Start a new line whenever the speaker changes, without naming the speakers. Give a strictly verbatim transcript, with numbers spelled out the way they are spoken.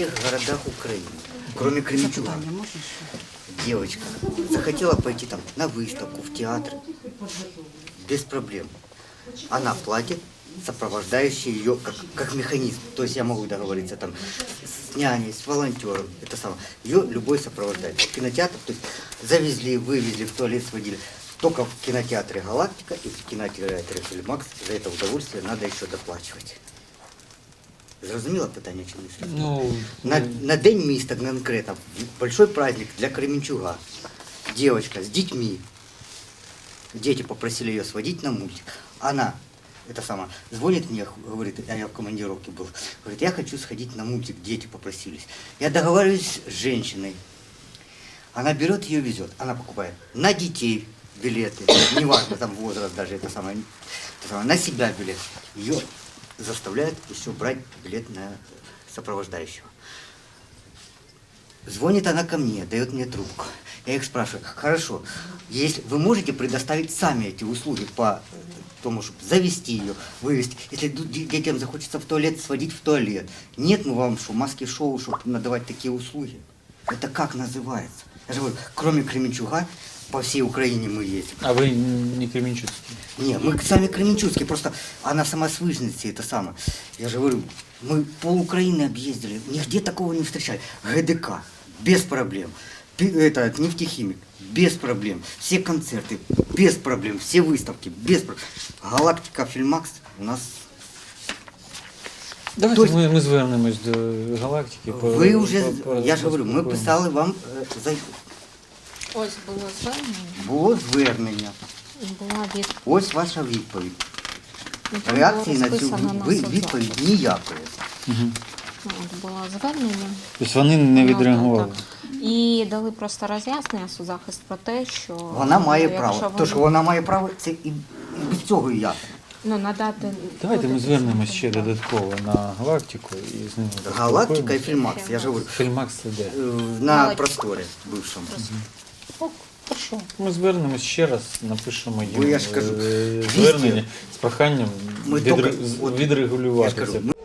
всех городах Украины, кроме Кременчуга. Девочка захотела пойти там на выставку, в театр, без проблем. Она платит, сопровождающий ее как, как механизм. То есть я могу договориться там с няней, с волонтером, это самое. Ее любой сопровождает. В кинотеатр, то есть завезли, вывезли, в туалет сводили. Только в кинотеатре «Галактика» и в кинотеатре «Фильмакс» за это удовольствие надо еще доплачивать. Зрозуміло питання чи не?
Ну,
На, на День міста конкретно, большой праздник для Кременчуга. Девочка с детьми. Дети попросили ее сводить на мультик. Она, это самое, звонит мне, говорит, а я в командировке был, говорит, я хочу сходить на мультик, дети попросились. Я договариваюсь с женщиной. Она берет ее, везет. Она покупает на детей билеты, неважно, там возраст даже, это самое, это самое, на себя билет. Ее заставляют еще брать билет на сопровождающего. Звонит она ко мне, дает мне трубку. Я их спрашиваю, хорошо, если вы можете предоставить сами эти услуги по тому, чтобы завести ее, вывести. Если детям захочется в туалет, сводить в туалет. Нет, мы вам что, маски-шоу, чтобы надавать такие услуги. Это как называется? Я же говорю, кроме Кременчуга, по всей Украине мы ездим.
а вы не кременчуцкий?
Не, мы сами кременчуцкие, просто она сама с Выжницы, это самое. Я же говорю, мы пол Украины объездили, нигде такого не встречали. ГДК, без проблем. Пи- Это, нефтехимик, без проблем. Все концерты, без проблем. Все выставки, без проблем. Галактика, Фильмакс у нас...
Давайте
То есть-
ми, ми звернемось до галактики. по-
Ви вже,
по- по-
я ж говорю, ми
поспілкуємось.
писали вам, е, за-
Ось було звернення,
було звернення.
і була відповідь.
Ось ваша відповідь.
Ну, там
Реакції
було
на цю
розписано на
ви-
судах.
відповідь ніякої.
Мгм.
Ну, От було звернення.
Тобто вони не
Ну,
відреагували?
так, так. І дали просто роз'яснення судзахист про те, що
Вона має
якщо
право.
вони-
То, що вона має право, це і, і без цього і ясно.
ну, надати...
Давайте ми
кодекс
звернемось ще
закону.
додатково на галактику і з ними
Галактика і
поспілкуємось.
Фільмакс, я ж говорю,
Фільмакс це де?
е, на
Галактика.
просторі бившому.
О, хорошо. Ми звернемось ще раз, напишемо їм
Бо я ж кажу,
е,
везде.
звернення з проханням
Ми
відре-
тільки-
з-
от,
відрегулювати
Я ж кажу,
це.
ми-